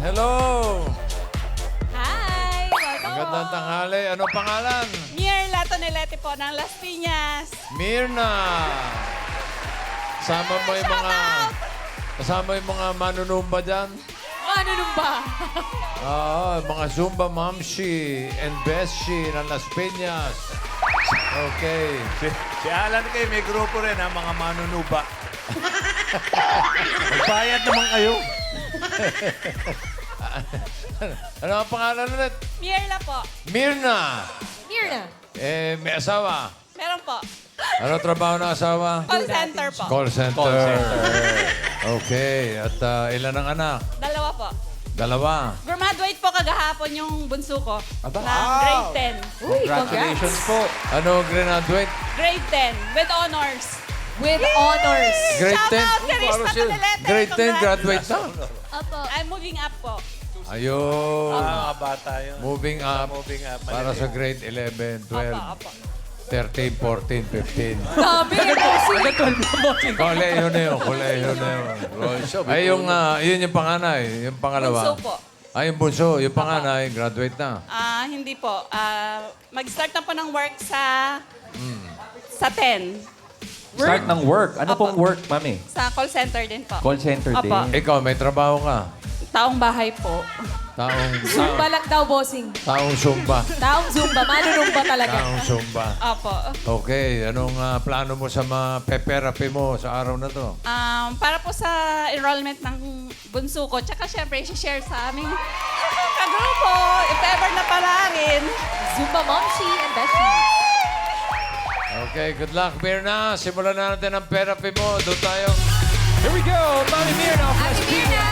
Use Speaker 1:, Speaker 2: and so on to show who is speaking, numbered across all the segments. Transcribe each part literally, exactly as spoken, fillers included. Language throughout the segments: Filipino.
Speaker 1: Hello!
Speaker 2: Hi! Welcome
Speaker 1: Magandang
Speaker 2: po.
Speaker 1: tanghali. Ano pangalan?
Speaker 2: Mirla Tonelete po ng Las Piñas.
Speaker 1: Mirna. Kasama mo yung mga... Kasama yung mga manunumba dyan?
Speaker 2: Ano nung ba?
Speaker 1: Oo, mga Zumba Mamshi and Beshi ng Las Piñas. Okay.
Speaker 3: Si, si Alan kayo, may grupo rin ha, mga manunuba. Magbayad naman kayo.
Speaker 1: Ano ang pangalan ulit?
Speaker 2: Mirla po.
Speaker 1: Mirna.
Speaker 2: Mirna.
Speaker 1: Eh, may asawa.
Speaker 2: Meron po.
Speaker 1: Ano trabaho ng asawa?
Speaker 2: Call center po.
Speaker 1: Call center.
Speaker 3: Call center.
Speaker 1: Okay. At ah, ilan ang anak?
Speaker 2: Dalawa po.
Speaker 1: Dalawa.
Speaker 2: Graduate po kagahapon yung bunso ko.
Speaker 1: Aba.
Speaker 2: Ng grade ten.
Speaker 4: Congratulations
Speaker 1: po. Ano graduate?
Speaker 2: Grade ten with honors.
Speaker 4: with honors.
Speaker 1: Grade
Speaker 2: Shout
Speaker 1: ten?
Speaker 2: out kay Rista
Speaker 1: Paano siya?
Speaker 2: Tonelete.
Speaker 1: Grade ten,
Speaker 2: Congrats.
Speaker 1: graduate na.
Speaker 4: Opo.
Speaker 2: I'm moving up po.
Speaker 1: Ayun.
Speaker 3: Mga bata yun.
Speaker 1: Moving up.
Speaker 3: Moving up.
Speaker 1: Para sa grade eleven, twelve,
Speaker 2: Opo, opo.
Speaker 1: thirteen, fourteen, fifteen.
Speaker 4: Dami.
Speaker 1: Koleyo na yun. Koleyo na yun. Ay, yung, ah, yun yung panganay. Yung pangalawa.
Speaker 2: Bunso po.
Speaker 1: Ay, yung bunso. Yung panganay, graduate na.
Speaker 2: Ah, hindi po. Ah, mag-start na po ng work sa
Speaker 1: Hmm.
Speaker 2: sa ten.
Speaker 5: Start ng work. Ano
Speaker 2: Apo.
Speaker 5: pong work, mami?
Speaker 2: Sa call center din po.
Speaker 5: Call center
Speaker 2: Apo.
Speaker 5: din.
Speaker 1: Ikaw, may trabaho ka.
Speaker 2: Taong bahay po.
Speaker 1: Taong,
Speaker 4: Zumba lang daw, bossing.
Speaker 1: taong Zumba.
Speaker 4: Taong Zumba. Manunumba talaga.
Speaker 1: Taong Zumba.
Speaker 2: Opo.
Speaker 1: Okay, anong ah, plano mo sa mga pe-therapy mo sa araw na to?
Speaker 2: Um, para po sa enrollment ng bunso ko, tsaka syempre, share sa aming kagrupo, if ever na pala rin.
Speaker 4: Zumba Momshi and Beshi.
Speaker 1: Okay, good luck, Mirna. Simulan na natin ang therapy mo. Doon tayo.
Speaker 5: Here we go! Mami Mirna!
Speaker 4: Ate Mirna!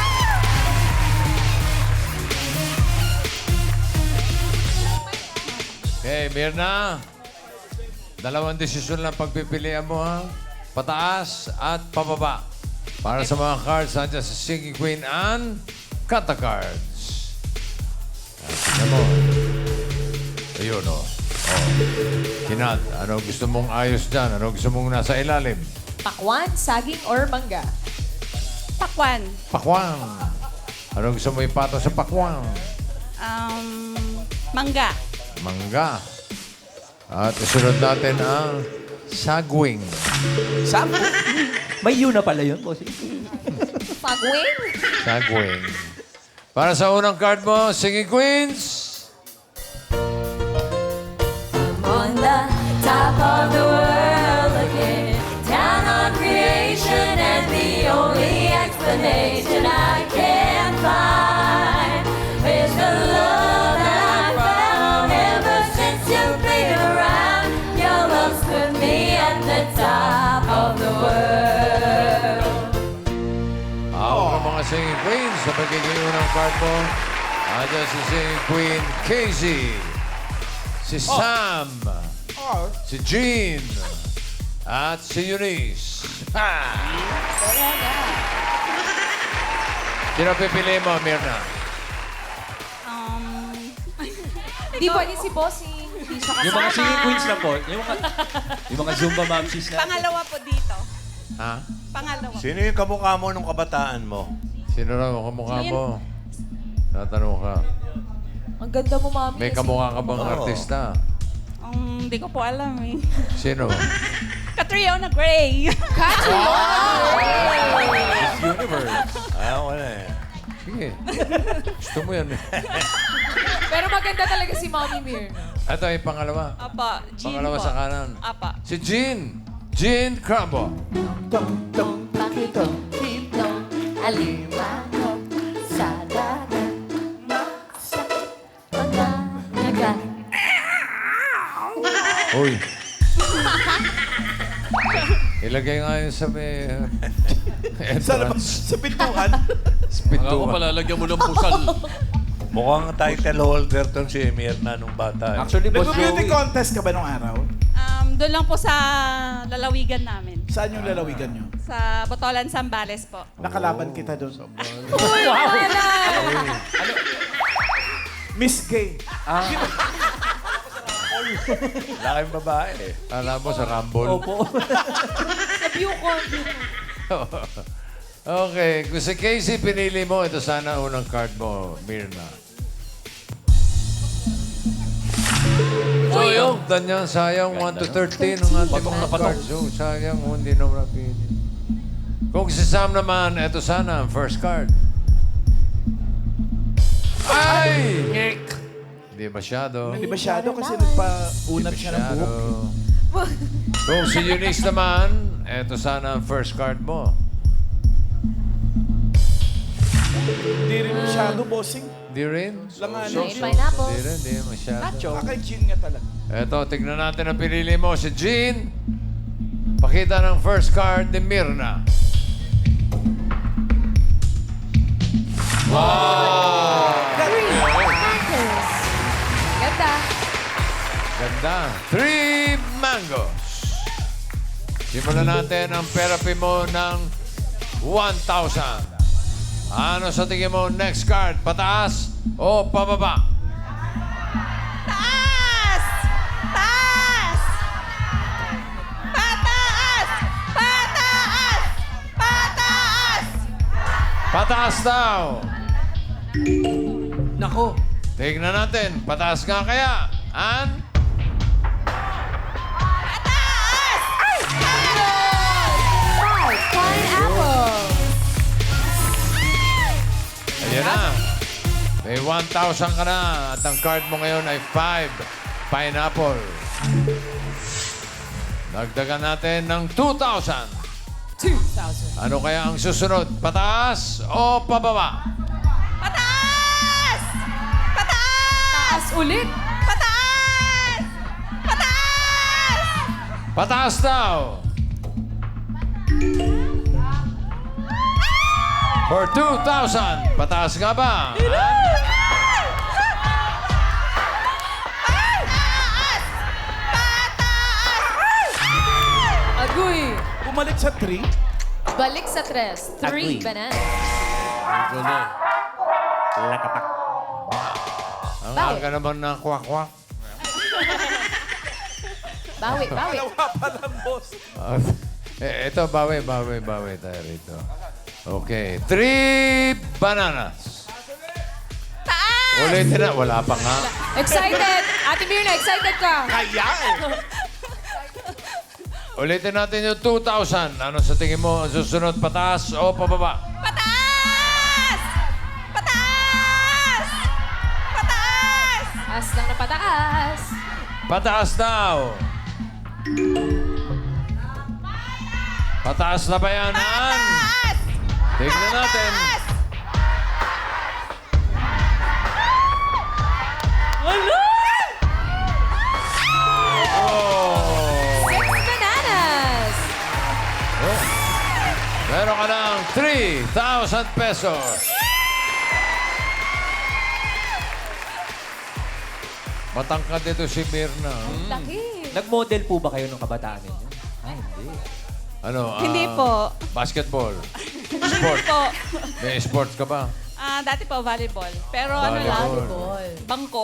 Speaker 1: Okay, Mirna. Dalawang desisyon lang pagpipilian mo, ha? Pataas at pababa. Para sa mga cards, nandiyan si Singing Queen and Kanta Cards. Ah, tingnan mo. Ayun, oh. Oh. Kinat, ano gusto mong ayos dyan? Ano gusto mong nasa ilalim?
Speaker 4: Pakwan, saging, or mangga?
Speaker 2: Pakwan.
Speaker 1: Pakwang. Ano gusto mo ipato sa pakwang?
Speaker 2: Um, mangga.
Speaker 1: Mangga. At isunod natin ang sagwing.
Speaker 5: Saan? May yun na pala yun, bossing.
Speaker 4: Pagwing?
Speaker 1: Sagwing. Para sa unang card mo, Singing Queens.
Speaker 6: On the top of the world again, down on creation, and the only explanation I can find is the love that I found ever since you've been around. Your love stood me at the top of the world.
Speaker 1: Ako ng mga Singing Queens sa pagiging unang card mo. Andiyan si Singing Queen Casey. Si Sam. Si Jean. At si Eunice. Ha! Sino pipili mo, Mirna?
Speaker 2: Um,
Speaker 4: Di pwede si bossing. Hindi siya kasama.
Speaker 5: Yung mga singing queens na po. Yung mga, yung mga Zumba mamsis na.
Speaker 2: pangalawa po dito.
Speaker 1: Ha?
Speaker 2: Pangalawa.
Speaker 3: Sino yung kamukha mo nung kabataan mo?
Speaker 1: Sino raw ang kamukha
Speaker 2: Sino
Speaker 1: mo? Tatanong ka.
Speaker 4: Ang ganda mo, mami.
Speaker 1: May kamukha ka bang artista?
Speaker 2: Um, hindi ko po alam eh.
Speaker 1: Sino?
Speaker 2: Catriona Gray.
Speaker 5: Miss Universe.
Speaker 3: Ayaw ko na eh.
Speaker 1: Sige. Gusto mo yan. eh.
Speaker 4: Pero maganda talaga si Mami Mirna.
Speaker 1: Ito yung pangalawa.
Speaker 2: Apa, Jean
Speaker 1: Pangalawa
Speaker 2: po.
Speaker 1: sa kanan.
Speaker 2: Apa.
Speaker 1: Si Jean. Jean Crumbo.
Speaker 6: Tong pakito, titong alimango sa dagat, sa pagkanagat.
Speaker 1: Uy. Ilagay nga yun sa may uh, entrance.
Speaker 3: Sa pintuan.
Speaker 1: Sa pintuan.
Speaker 7: palalagyan mo ng pusal.
Speaker 3: Mukhang title holder tong si Mirna nung bata. eh.
Speaker 5: Actually, boss
Speaker 8: Nag-beauty
Speaker 5: Joey.
Speaker 8: contest ka ba nung araw?
Speaker 2: Um, doon lang po sa lalawigan namin.
Speaker 8: Saan yung lalawigan nyo?
Speaker 2: Sa Botolan, Zambales po.
Speaker 8: Nakalaban kita doon.
Speaker 4: Uy, wala!
Speaker 8: Miss Gay.
Speaker 3: Laking babae eh.
Speaker 1: Alam mo sa Rumble.
Speaker 5: Opo.
Speaker 4: Sa view ko.
Speaker 1: Okay, kung si Casey pinili mo, ito sana unang card mo, Mirna. Sayang. Ganyan, sayang. one to thirteen ang ating
Speaker 5: Patok na
Speaker 1: mga
Speaker 5: patok.
Speaker 1: cards. Oh, sayang, oh, hindi naman napili. Kung si Sam naman, ito sana ang first card. Ay! Hindi masyado.
Speaker 8: Hindi masyado kasi nagpa-unat siya ng
Speaker 1: Masyado.
Speaker 8: buhok.
Speaker 1: Kung si Eunice naman, ito sana ang first card mo.
Speaker 8: Hindi rin masyado, bossing.
Speaker 1: Hindi rin?
Speaker 8: Langanin.
Speaker 6: May pineapple.
Speaker 1: Hindi rin, hindi masyado.
Speaker 8: Kaka-chin nga talaga.
Speaker 1: Eto, tignan natin ang pinili mo. Si Jean. Pakita ng first card ni Mirna. Wow!
Speaker 4: Ganda.
Speaker 1: Ganda. Three mangoes. Simulan natin ang therapy mo ng one thousand. Ano sa tingin mo next card? Pataas o pababa?
Speaker 2: Taas! Taas! Pataas! Pataas! Pataas!
Speaker 1: Pataas daw.
Speaker 8: Nako.
Speaker 1: Tignan natin. Pataas nga kaya. An?
Speaker 2: Pataas! Ay!
Speaker 6: Five pineapple.
Speaker 1: Ayan na. May one thousand ka na. At ang card mo ngayon ay five pineapple. Dagdagan natin ng two thousand.
Speaker 4: two thousand.
Speaker 1: Ano kaya ang susunod? Pataas o pababa?
Speaker 2: Pataas! Pataas!
Speaker 4: Taas ulit.
Speaker 2: Pataas! Pataas!
Speaker 1: Pataas daw. For two thousand. Pataas nga ba?
Speaker 4: Agoy.
Speaker 8: Bumalik sa three.
Speaker 6: Balik sa tres. Three bananas.
Speaker 1: Ang
Speaker 6: Bawi.
Speaker 1: aga naman ng kwak-kwak.
Speaker 6: Bawi, bawi.
Speaker 8: Dalawa pa lang, boss.
Speaker 1: Ah, eh, ito, bawi, bawi, bawi tayo rito. Okay. Three bananas.
Speaker 2: Taas!
Speaker 1: Ulitin na. Wala pa nga.
Speaker 4: Excited. Ate Mirna, excited ka.
Speaker 8: Kaya eh.
Speaker 1: Ulitin natin yung two thousand. Ano sa tingin mo? Ang susunod, pataas o pababa?
Speaker 2: Pataas! Pataas! Pataas!
Speaker 4: Taas lang na pataas.
Speaker 1: Pataas daw. Pataas na ba yan, Ann?
Speaker 2: Pataas!
Speaker 1: Tignan natin. Oh.
Speaker 4: Six bananas.
Speaker 1: Oh. Meron ka ng three thousand pesos. Matangkad dito si Mirna.
Speaker 4: Laki.
Speaker 5: Nag-model po ba kayo nung kabataan ninyo? Ah, hindi.
Speaker 1: Ano? ah,
Speaker 2: Hindi po.
Speaker 1: Basketball. Sport.
Speaker 2: Po.
Speaker 1: May sports ka ba?
Speaker 2: Ah, dati po volleyball. Pero ano lang,
Speaker 1: Volleyball.
Speaker 2: bangko.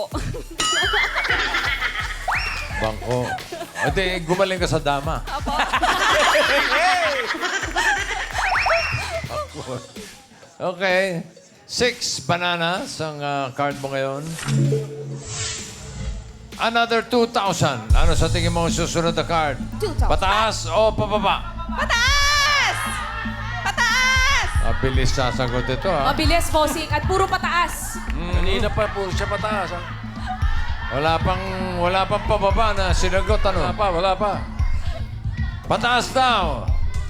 Speaker 1: Bangko. Ate, gumaling ka sa dama.
Speaker 2: Apo.
Speaker 1: Okay. Six bananas ang ah, card mo ngayon. Another two thousand. Ano sa tingin mo ang susunod na card?
Speaker 6: two thousand.
Speaker 1: Pataas o pababa?
Speaker 2: Pataas! Pataas!
Speaker 1: Mabilis sasagot ito, ha?
Speaker 4: Mabilis, bossing. At puro pataas.
Speaker 5: Kanina pa po siya pataas. ah.
Speaker 1: Wala pang, wala pang pababa na sinagot, ano?
Speaker 5: Wala pa, wala pa.
Speaker 1: Pataas daw.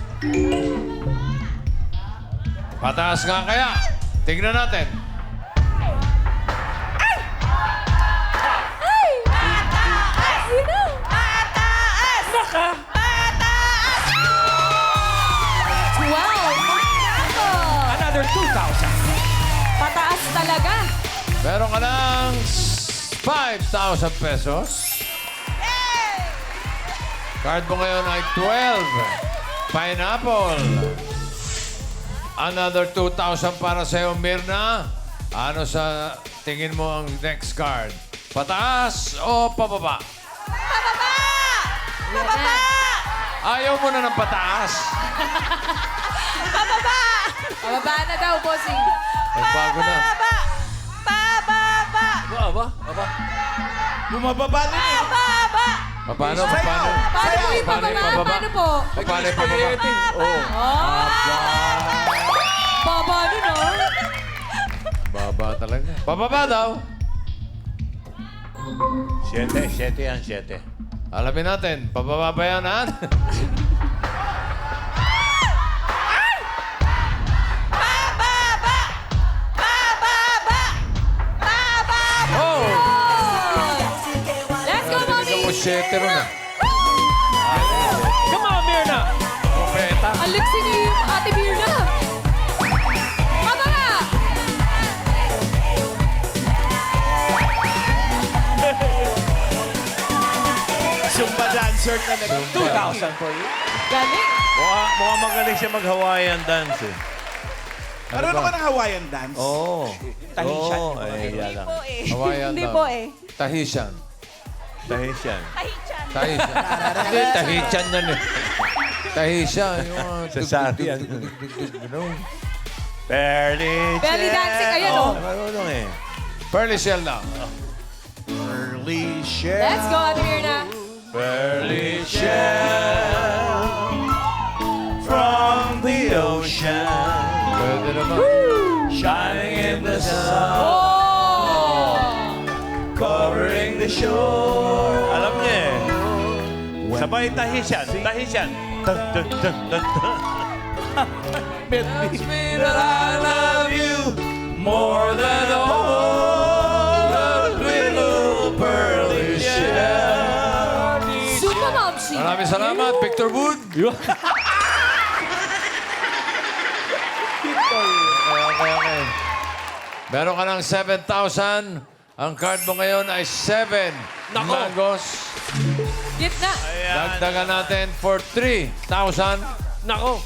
Speaker 1: Pataas nga kaya. Tignan natin.
Speaker 2: Pataas! Pataas!
Speaker 4: twelve.
Speaker 5: Another two thousand.
Speaker 4: Pataas talaga.
Speaker 1: Meron ka ng five thousand pesos. Card mo ngayon ay twelve. Pineapple. Another two thousand para sa'yo, Mirna. Ano sa tingin mo ang next card? Pataas o pababa?
Speaker 2: Pababa! Pababa!
Speaker 1: Ayaw mo na ng pataas.
Speaker 2: Pababa!
Speaker 4: Pababa na daw, bossing.
Speaker 1: Nagbago na.
Speaker 2: Pababa! Pababa!
Speaker 5: Aba, aba.
Speaker 8: Bumababa din eh.
Speaker 2: Pababa!
Speaker 1: Paano?
Speaker 8: Sayaw!
Speaker 1: Paano?
Speaker 4: Paano po yung
Speaker 1: Paano yung
Speaker 4: pababa?
Speaker 1: pababa?
Speaker 4: Paano po?
Speaker 1: Paano yung pababa?
Speaker 5: Oh.
Speaker 4: Baba nun, oh.
Speaker 1: Baba talaga. Pababa daw.
Speaker 3: Siyete, siyete yan, siyete.
Speaker 1: Alamin natin. Pababa ba yan, Han?
Speaker 2: Pababa! Pababa! Pababa!
Speaker 1: Oh!
Speaker 4: Let's go,
Speaker 1: Narinig
Speaker 4: mommy!
Speaker 1: ako siyete ron ah.
Speaker 5: Come on, Mirna!
Speaker 1: Propeta.
Speaker 4: Ang liksi ni Ate Mirna. Pababa!
Speaker 8: Zumba dancer ka na.
Speaker 5: two thousand for you.
Speaker 4: Galing.
Speaker 3: Mukha, mukha magaling siya mag-Hawaiian dance eh.
Speaker 8: Marunong ka ng Hawaiian dance?
Speaker 3: Oo.
Speaker 5: Tahitian.
Speaker 3: Oo, ay, yan lang.
Speaker 2: eh.
Speaker 1: Hawaiian
Speaker 2: Hindi
Speaker 1: daw.
Speaker 2: po eh.
Speaker 1: Tahitian.
Speaker 3: Tahitian.
Speaker 2: Tahitian.
Speaker 1: Tahitian. Hindi, Tahitian yan eh. Tahitian. Yung mga...
Speaker 3: Sa Sari yan.
Speaker 1: Ganun.
Speaker 3: Fairly
Speaker 4: Belly dancing, ayan, oh.
Speaker 3: Marunong eh.
Speaker 1: Pearly shell lang.
Speaker 8: Early share.
Speaker 4: Let's go, Ate Mirna.
Speaker 3: Fairly shell from the ocean,
Speaker 1: Pwede naman.
Speaker 3: shining in the sun,
Speaker 4: Oh!
Speaker 3: covering the shore. Alam niya eh. Sabay Tahitian. Tahitian. Dun, dun, dun, dun, dun. Tells me that I love you more than all the little pearly shell.
Speaker 4: Zumba, Momshi.
Speaker 1: Maraming salamat, Victor Wood. Okay, okay, okay. Meron ka ng seven thousand. Ang card mo ngayon ay seven
Speaker 5: Nako.
Speaker 1: mangoes.
Speaker 4: Gitna.
Speaker 1: Dagdagan natin for three thousand.
Speaker 5: Nako.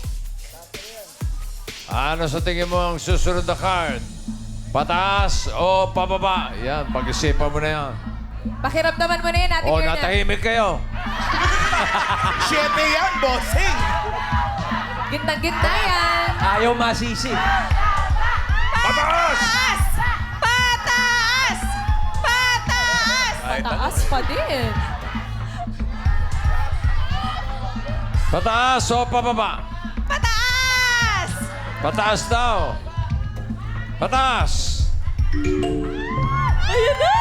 Speaker 1: Ano sa tingin mo ang susunod na card? Pataas o pababa? Yan, pag-isipan mo na yan.
Speaker 4: Pakiramdaman mo na yan, Ate
Speaker 1: O,
Speaker 4: Mirna.
Speaker 1: natahimik kayo.
Speaker 8: Siyete yan, bossing.
Speaker 4: Gitna-gitna yan.
Speaker 5: Ayaw masisi.
Speaker 1: Pataas!
Speaker 2: Pataas! Pataas!
Speaker 4: Taas pa din.
Speaker 1: Pataas o pababa?
Speaker 2: Pataas!
Speaker 1: Pataas daw. Pataas.
Speaker 2: Ayun na!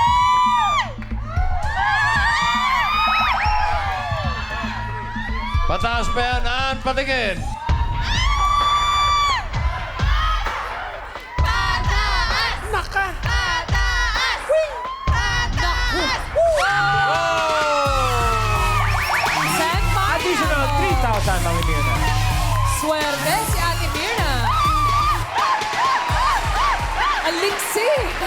Speaker 1: Pataas pa yan. Aan, patingin.
Speaker 2: Pataas! Naka! Pataas! Pataas!
Speaker 4: San
Speaker 5: Additional three thousand, Mami Mirna.
Speaker 4: Swerte si Ate Mirna. Ang liksi.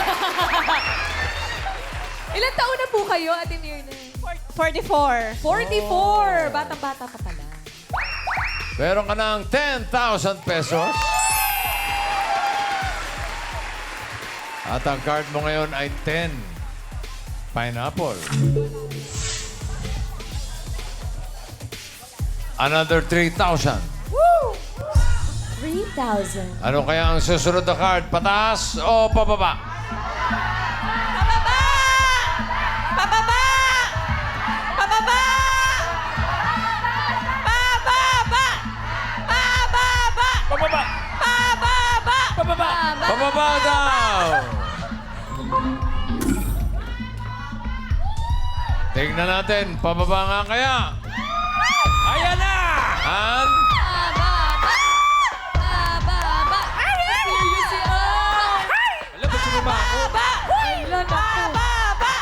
Speaker 4: Ilan taon na po kayo, Ate Mirna?
Speaker 2: forty-four.
Speaker 4: forty-four. Batang-bata pa pala.
Speaker 1: Meron ka ng ten thousand pesos. At ang card mo ngayon ay ten. Pineapple. Another three thousand.
Speaker 6: three thousand.
Speaker 1: Ano kaya ang susunod na card? Pataas o pababa?
Speaker 2: Pababa! Pababa! Pababa! Pababa! Pababa!
Speaker 5: Pababa.
Speaker 2: Pababa!
Speaker 5: Pababa.
Speaker 1: Pababa daw! Tingnan natin, pababa nga kaya.
Speaker 5: Ayan na!
Speaker 1: And
Speaker 4: Bababa. Serious si Oh.
Speaker 5: Alam, ba't sumama ako?
Speaker 4: Ilan ako?
Speaker 2: Pababa!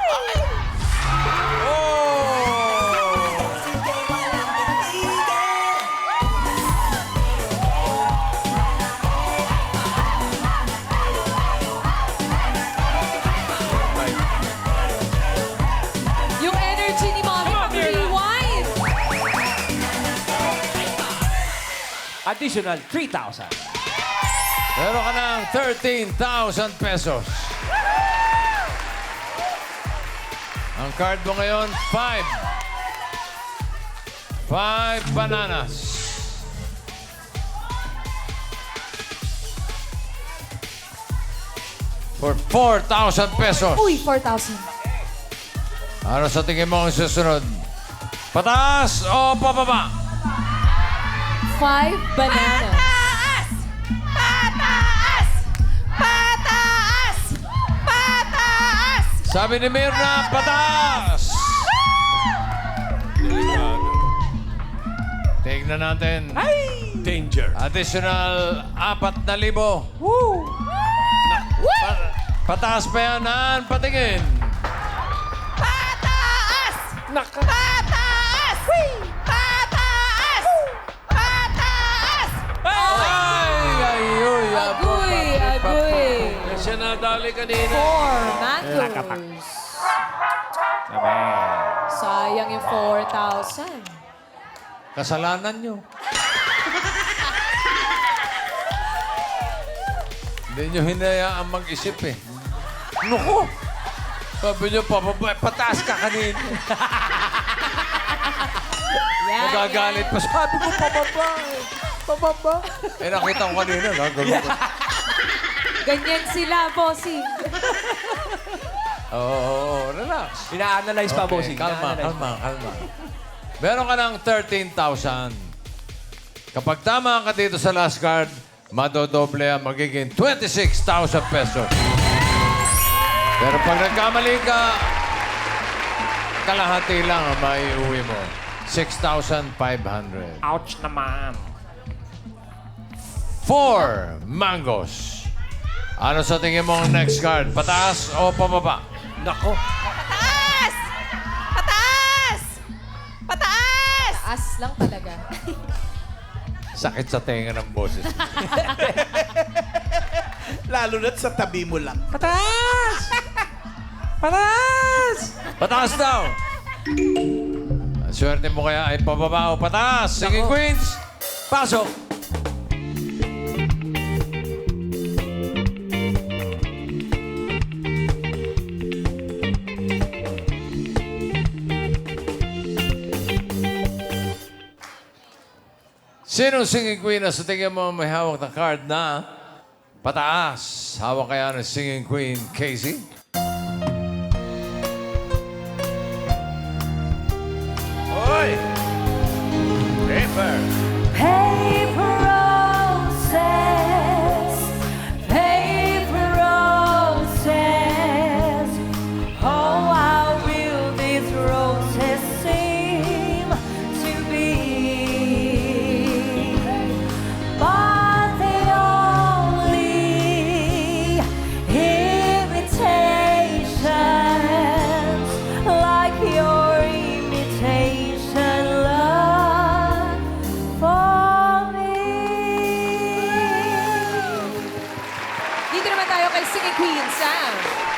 Speaker 4: Yung energy ni Mommy
Speaker 5: Come on, Mirna.
Speaker 4: pag-rewind.
Speaker 5: Additional three thousand.
Speaker 1: meron ka ng thirteen thousand pesos. Ang card mo ngayon, five. Five bananas. for four thousand pesos.
Speaker 4: Uy, four thousand.
Speaker 1: Ano sa tingin mo ang susunod? Pataas o pababa?
Speaker 4: Five bananas.
Speaker 2: Pataas! Pataas! Pataas!
Speaker 1: Sabi ni Mirna, pataas! Tingnan natin.
Speaker 3: Danger.
Speaker 1: Additional apat na libo. Pa- pataas pa yan, Ann. Patingin.
Speaker 2: Pataas! Pataas! Pataas! Pataas!
Speaker 1: Ay, ay, uy.
Speaker 4: Agoy, agoy.
Speaker 3: Siya nadali kanina.
Speaker 4: Four mangoes. Sayang yung four thousand.
Speaker 1: Kasalanan nyo. Hindi nyo hinayaan mag-isip eh. Naku! Sabi nyo, pababa, pataas ka kanina.
Speaker 4: Yan,
Speaker 1: Nagagalit pa. Sabi ko, pababa eh. Pababa. Eh, nakita ko kanina. Nagagalit ko.
Speaker 4: Ganyan sila, bossing.
Speaker 1: Oo, oo, oo, relax.
Speaker 5: Ina-analyze pa,
Speaker 1: Okay,
Speaker 5: bossing.
Speaker 1: kalma,
Speaker 5: Ina-analyze
Speaker 1: kalma, kalma. Meron ka ng thirteen thousand. Kapag tama ka dito sa last card, madodoble ang magiging twenty-six thousand pesos. Pero pag nagkamali ka, kalahati lang ang maiuwi mo. six thousand five hundred.
Speaker 5: Ouch naman.
Speaker 1: Four mangoes. Ano sa tingin mo ang next card? Pataas o pababa?
Speaker 5: Nako.
Speaker 2: Pataas! Pataas! Pataas!
Speaker 4: Taas lang talaga.
Speaker 1: Sakit sa tenga ng boses.
Speaker 8: Lalo na't sa tabi mo lang.
Speaker 1: Pataas! Pataas! Pataas daw! Ang swerte mo kaya ay pababa o pataas. Sige, Queens! Pasok! Sinong singing queen na sa tingin mo may hawak na card na pataas? Hawak kaya ng singing queen, Casey?
Speaker 3: Oy! Paper.
Speaker 6: Paper roses, paper roses. Oh, how will these roses seem to be? But they only imitations, like your imitation love for me.
Speaker 4: Dito naman tayo kay Singing Queen, Sam.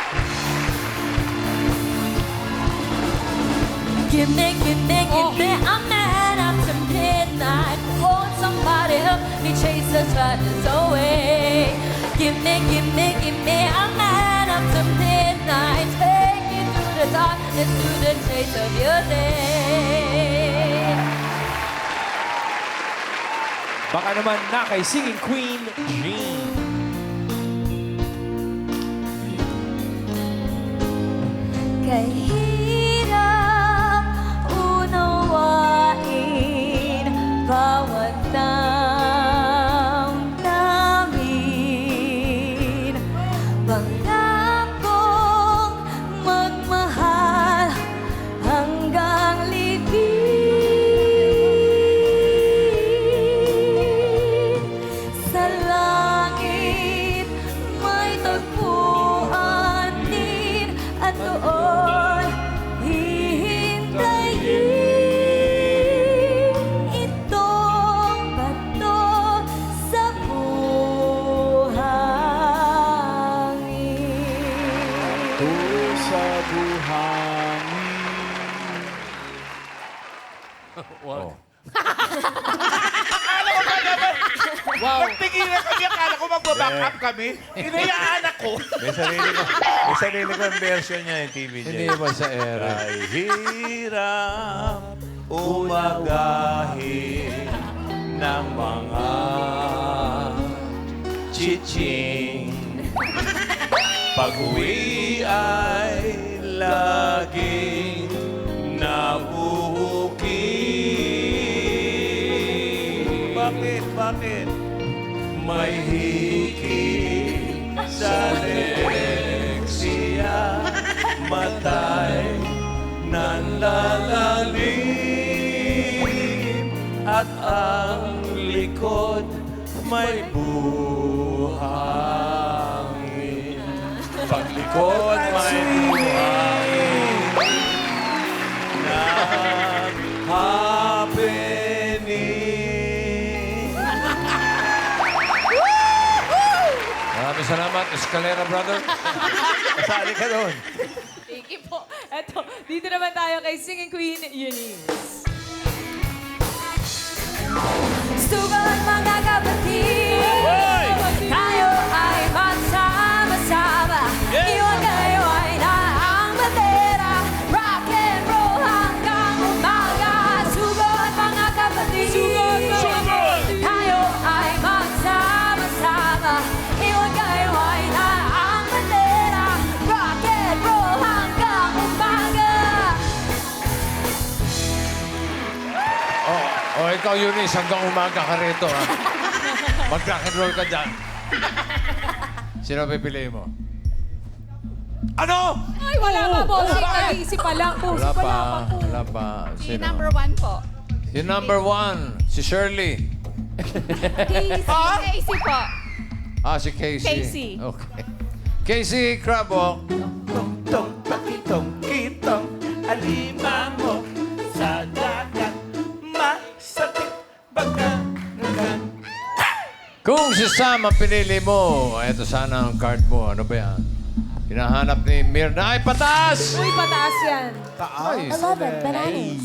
Speaker 6: Give me, give me, give me a man after midnight. Hold somebody up, me chase the sadness away. Give me, give me, give me a man after midnight. Take you through the darkness, through the chase of your day.
Speaker 5: Baka naman na kay Singing Queen, Jean.
Speaker 6: Kahirap unawain bawat damdamin. Pangakong magmahal hanggang libing. Sa langit may tagpuan din at doon hihintayin itong bato sa buhangin.
Speaker 8: Sa buhangin.
Speaker 1: Wow!
Speaker 8: Nagtigilan kami, akala ko magbaback up kami. Hinayaan ako.
Speaker 3: May sarili ko. May sarili ko ang version niya yung T V niya.
Speaker 1: Hindi ba sa era?
Speaker 3: Ay hirap umagahin ng mga chiching. Pag-uwi ay laging nabuhuki. Bakit? Bakit? May hiki sa leksya, matay nanlalalim, at ang likod may buhangin. Paglikod may buhangin na happening.
Speaker 1: Maraming salamat, Escalera Brother.
Speaker 3: Kasali ka doon.
Speaker 4: Thank you po. Eto, dito naman tayo kay Singing Queen Eunice.
Speaker 6: Sugat mga kapatid, tayo ay magsama-sama. Iwan kayo ay na ang bandera, rock and roll hanggang umaga. Sugat mga kapatid, tayo ay magsama-sama. Iwan kayo ay na ang bandera, rock and roll hanggang umaga.
Speaker 1: Oh, oh, ikaw, Eunice, hanggang umaga ka rito, ha? Mag-rock and roll ka dyan. Sino pipiliin mo?
Speaker 8: Ano?
Speaker 4: Ay, wala pa po. Nag-iisip pa lang po.
Speaker 1: Wala
Speaker 4: Wala
Speaker 1: pa.
Speaker 4: pa po.
Speaker 1: Wala pa.
Speaker 2: Si
Speaker 1: Sino?
Speaker 2: number one po.
Speaker 1: Si number one, si Shirley.
Speaker 2: Casey po.
Speaker 1: Ah, si Casey.
Speaker 2: Casey.
Speaker 1: Okay. Casey Crabwalk.
Speaker 3: Tong pakitong kitong alimango sa dagat, masakit pagkakan.
Speaker 1: Kung si Sam ang pinili mo, eto sana ang card mo. Ano ba yan? Hinahanap ni Mirna. Ay, pataas!
Speaker 4: Uy, pataas yan.
Speaker 1: Ay,
Speaker 6: eleven bananas.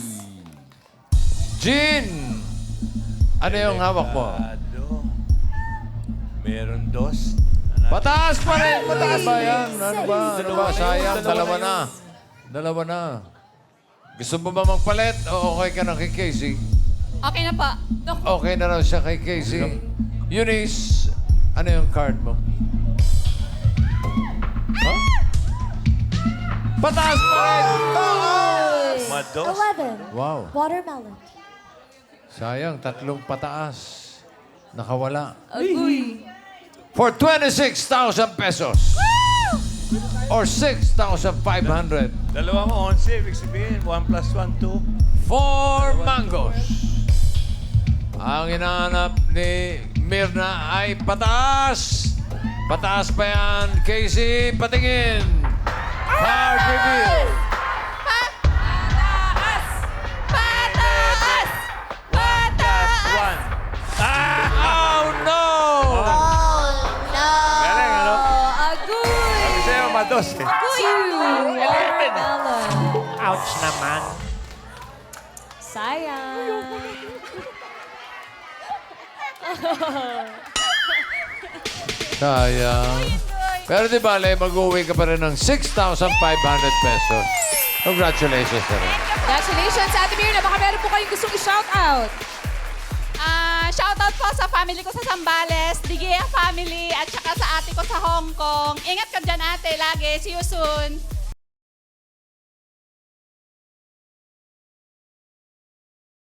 Speaker 1: Jean! Ano yung hawak mo?
Speaker 3: Delikado. Meron dos.
Speaker 1: Pataas pa rin! Pataas ba yan? Ano ba? Ano ba? Sayang, dalawa na. Dalawa na. Gusto mo ba magpalit o okay ka na kay Casey?
Speaker 2: Okay na po.
Speaker 1: Okay na raw siya kay Casey. Eunice, ano yung card mo? Huh? Pataas pa rin!
Speaker 3: Mados.
Speaker 6: eleven
Speaker 1: Wow.
Speaker 6: watermelon.
Speaker 1: Sayang, tatlong pataas. Nakawala.
Speaker 4: Uy.
Speaker 1: For twenty-six thousand pesos. Or six thousand five hundred.
Speaker 3: Dalawang onse, ibig sabihin, one plus one, two.
Speaker 1: Four mangoes. Ang hinahanap ni Mirna ay pataas. Pataas pa yan. Casey, patingin. Card reveal.
Speaker 2: Pataas! Pataas! Pataas!
Speaker 3: One.
Speaker 1: Oh, no!
Speaker 3: Galing, ano?
Speaker 4: Agoy.
Speaker 3: Sabi sa'yo, mados eh.
Speaker 4: Two. Watermelon.
Speaker 8: Ouch naman.
Speaker 4: Sayang.
Speaker 1: Sayang. Pero di bale, mag-uwi ka pa rin ng six thousand five hundred pesos. Congratulations na rin.
Speaker 4: Congratulations, Ate Mirna. Baka meron po kayong gustong i-shout out.
Speaker 2: Ah, shoutout po sa family ko sa Zambales, Digea family, at saka sa ate ko sa Hong Kong. Ingat ka dyan, ate, lagi. See you soon.